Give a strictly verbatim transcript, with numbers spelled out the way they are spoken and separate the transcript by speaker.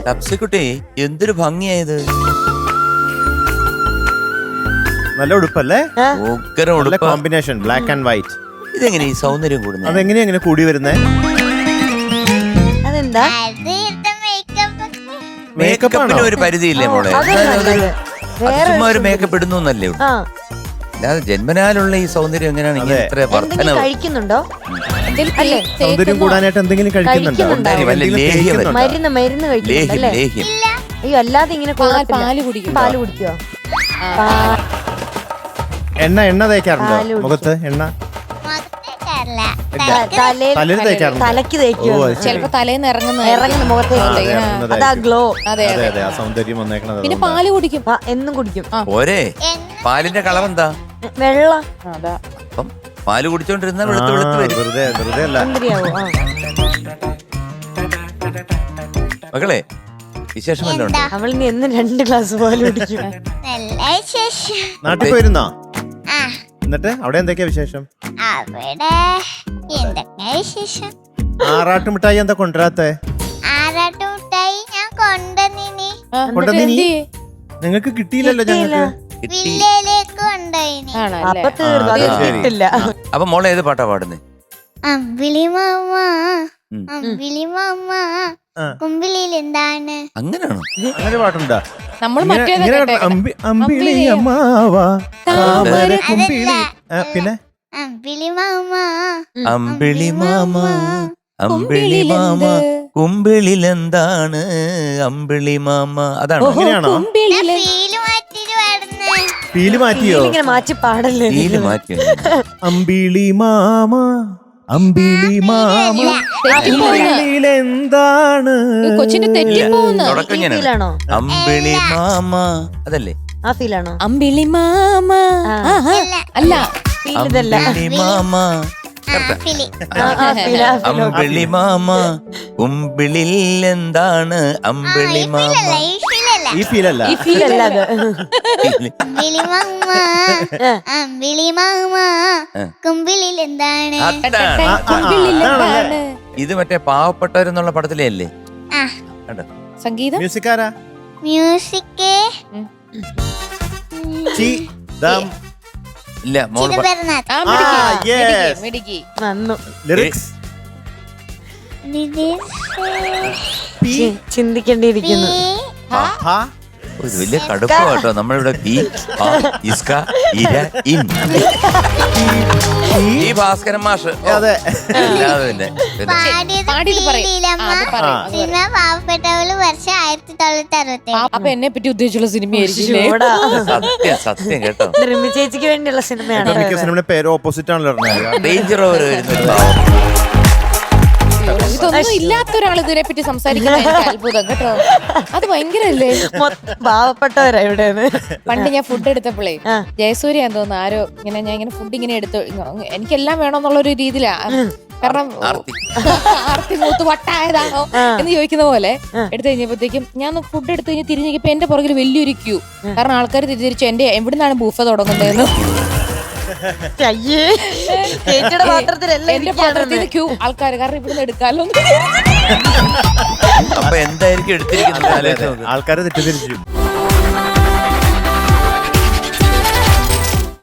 Speaker 1: തപ്സിക്കുട്ടി എന്തൊരു ഭംഗിയായത്.
Speaker 2: നല്ല ഉടുപ്പല്ലേ?
Speaker 1: ഉഗ്രം
Speaker 2: നല്ല
Speaker 1: ഉടുപ്പ്.
Speaker 2: Combination black and white.
Speaker 1: ഇതെങ്ങനെ ഈ സൗന്ദര്യം കൂടുന്നത്?
Speaker 2: അതെങ്ങനെയാ എങ്ങനെ കൂടി വരുന്നേ?
Speaker 3: അതെന്താ?
Speaker 1: മേക്കപ്പിന് ഒരു പരിധിയില്ലേ മോളെ? ചുമ്മാ ഒരു മേക്കപ്പ് ഇടുന്നു എന്നല്ലേ ഉള്ളൂ. അല്ലാതെ ജന്മനാലുള്ള ഈ സൗന്ദര്യം എങ്ങനെയാണ് ഇങ്ങനെ ഇത്ര വർധന?
Speaker 3: കഴിക്കുന്നുണ്ടോ?
Speaker 2: സൗന്ദര്യം കൂടാനായിട്ട് എന്തെങ്കിലും കഴിക്കുന്നുണ്ടോ?
Speaker 1: വല്ല ലേഹ്യം വരുന്നുണ്ടോ?
Speaker 3: മരുന്ന് മരുന്ന് കഴിക്കുന്നുണ്ടല്ലേ?
Speaker 1: ലേഹ്യം.
Speaker 3: അയ്യോ അല്ലാതെ ഇങ്ങനെ
Speaker 4: പാല് കുടിക്കും.
Speaker 3: പാല് കുടിക്കോ?
Speaker 2: എണ്ണ എണ്ണ തേക്കാറുണ്ടോ മുഖത്ത്? എണ്ണ തലയിൽ തേക്കാറുണ്ട്.
Speaker 3: തലക്ക് തേക്കോ?
Speaker 4: ചിലപ്പോ തലേന്ന് ഇറങ്ങുന്ന
Speaker 3: ഇറങ്ങുന്ന മുഖത്തേക്ക് അതാ ഗ്ലോ.
Speaker 4: അതെ
Speaker 2: അതെ അതെ, ആ സൗന്ദര്യം വന്നേക്കണത്.
Speaker 4: പിന്നെ പാല് കുടിക്കും.
Speaker 3: എന്നും കുടിക്കും.
Speaker 1: പോരെ പാലിന്റെ കളവെന്താ?
Speaker 3: വെള്ള.
Speaker 4: അതാ
Speaker 1: അപ്പം പാല് കുടിച്ചോണ്ടിരുന്ന വെളുത്ത് വെളുത്ത് വരും.
Speaker 2: വെറുതെ വെറുതെ അല്ല.
Speaker 1: മകളെ വിശേഷം വല്ലതും ഉണ്ടോ?
Speaker 3: അവളിനി എന്നും രണ്ട് ഗ്ലാസ് പാല് കുടിക്കും.
Speaker 2: നാട്ടിൽ പോയിരുന്നോ? എന്നിട്ട് അവിടെ എന്തൊക്കെയാ വിശേഷം?
Speaker 5: അവിടെ എന്തൊക്കെയാ വിശേഷം?
Speaker 2: ആറാട്ടുമിഠായി എന്താ കൊണ്ടുവരാത്തെ?
Speaker 5: ആറാട്ടുമിഠായി ഞാൻ കൊണ്ടുവന്നിനി.
Speaker 2: കൊണ്ടുവന്നിനി? നിങ്ങൾക്ക് കിട്ടിയില്ലല്ലോ. ഞങ്ങൾക്ക്
Speaker 5: വില്ലയിലേക്ക് കൊണ്ടുപോയിനി.
Speaker 3: അപ്പൊ തീർന്നു, അത് കിട്ടില്ല.
Speaker 1: അപ്പൊ മോളെ ഏത് പാട്ടാ പാടുന്നേ?
Speaker 5: അമ്പിളി മാമ അമ്പിളി മാമ കുമ്പിളിയിൽ എന്താണ്?
Speaker 1: അങ്ങനെയാണോ?
Speaker 2: അങ്ങനെ പാട്ടുണ്ടോ?
Speaker 4: നമ്മൾ
Speaker 2: അമ്പിളി അമ്മാവാ താമര കുമ്പിളി. പിന്നെ
Speaker 5: അമ്പിളി മാമ
Speaker 1: അമ്പിളി മാമ അമ്പിളി മാമ കുമ്പിളിലെന്താണ് അമ്പിളി മാമ. അതാണോ?
Speaker 2: അങ്ങനെയാണോ?
Speaker 5: ഫീല് മാറ്റിട്ട് പാടുന്നേ.
Speaker 2: പീല് മാറ്റിയോ?
Speaker 3: ഇങ്ങനെ മാറ്റി പാടല്ലേ?
Speaker 1: ഫീല് മാറ്റി.
Speaker 2: അമ്പിളി മാമ അമ്പിളി മാമ കുമ്പിളിലെന്താണ്?
Speaker 4: കൊച്ചിന്റെ തെറ്റിപ്പോന്ന്.
Speaker 1: തുടക്കം ഇങ്ങനെയാണ്.
Speaker 3: ഫീലാണോ?
Speaker 1: അമ്പിളി മാമ അതല്ലേ?
Speaker 3: ആ ഫീലാണോ?
Speaker 4: അമ്പിളി മാമ അല്ല,
Speaker 3: ഫീൽ ഇതല്ല.
Speaker 1: അമ്പിളി മാമ
Speaker 5: ഫിലി
Speaker 1: അമ്പിളി മാമ കുമ്പിളിൽ എന്താണ് അമ്പിളി മാമ.
Speaker 5: ഈ ഫീലല്ല
Speaker 2: ഈ ഫീലല്ല.
Speaker 3: ഫീലല്ല അത്.
Speaker 5: അമ്പിളി മാമ അമ്പിളി മാമ കുമ്പിളിൽ എന്താണ്?
Speaker 1: അതാണ്. ഇത് മറ്റേ പാവപ്പെട്ടവരെന്നുള്ള പടത്തിലേ അല്ലേ?
Speaker 4: സംഗീതം
Speaker 2: മ്യൂസിക്കാരാ?
Speaker 5: മ്യൂസിക്
Speaker 1: ഇല്ല മോള്
Speaker 3: നന്നു.
Speaker 2: ലിറിക്സ്
Speaker 3: ചിന്തിക്കേണ്ടിയിരിക്കുന്നു.
Speaker 1: ഒരു വലിയ കടുപ്പ് കേട്ടോ നമ്മളിവിടെ. ഈ ഇസ്ക ഇര ഇൻ ഈ ഭാസ്കരൻ മാഷ്.
Speaker 2: അതെ.
Speaker 1: അല്ലാതെ പിന്നെ
Speaker 5: സിനിമ പാവപ്പെട്ടവള് വർഷം ആയിരത്തി തൊള്ളായിരത്തി അറുപത്തി
Speaker 4: അപ്പൊ എന്നെ പറ്റി ഉദ്ദേശിച്ചുള്ള സിനിമയായിരിക്കും.
Speaker 1: സത്യം സത്യം കേട്ടോ.
Speaker 3: റിമി ചേച്ചിക്ക് വേണ്ടിയുള്ള സിനിമയാണ്.
Speaker 2: മിക്ക സിനിമയുടെ പേര് ഓപ്പോസിറ്റ് ആണല്ലോ.
Speaker 1: ഡേഞ്ചർ ഓവർ വരുന്നു.
Speaker 4: ഇതൊന്നും ഇല്ലാത്ത ഒരാൾ ഇതിനെ പറ്റി സംസാരിക്കുന്നത് എനിക്ക് അത്ഭുതം കേട്ടോ. അത് ഭയങ്കരല്ലേ.
Speaker 3: പാവപ്പെട്ടവരാ ഇവിടെ.
Speaker 4: പണ്ട് ഞാൻ ഫുഡ് എടുത്തപ്പോഴേ ജയസൂര്യാന്ന് തോന്നുന്നു ആരോ ഇങ്ങനെ ഞാൻ ഇങ്ങനെ ഫുഡ് ഇങ്ങനെ എടുത്തു എനിക്കെല്ലാം വേണമെന്നുള്ള ഒരു രീതിയിലാ. കാരണം ആർത്തി മൂത്ത് വട്ടായതാണോ എന്ന് ചോദിക്കുന്ന പോലെ എടുത്തു കഴിഞ്ഞപ്പോഴത്തേക്കും ഞാൻ ഫുഡ് എടുത്തു കഴിഞ്ഞ് തിരിഞ്ഞപ്പോ എന്റെ പുറകിൽ വലിയൊരു ക്യൂ. കാരണം ആൾക്കാർ തിരിച്ചു എന്റെ എവിടുന്നാണ് ബൂഫ തുടങ്ങുന്നതെന്ന്.
Speaker 3: ചേച്ചിയുടെ പാത്രത്തിലല്ല
Speaker 4: എന്റെ പാത്രത്തിൽ ക്യൂ ആൾക്കാർ. കാരണം ഇവിടുന്ന് എടുക്കാലോ.
Speaker 1: അപ്പൊ എന്തായിരിക്കും എടുത്തിരിക്കുന്നത്?
Speaker 2: ആൾക്കാരെ തെറ്റിദ്ധരിച്ചു.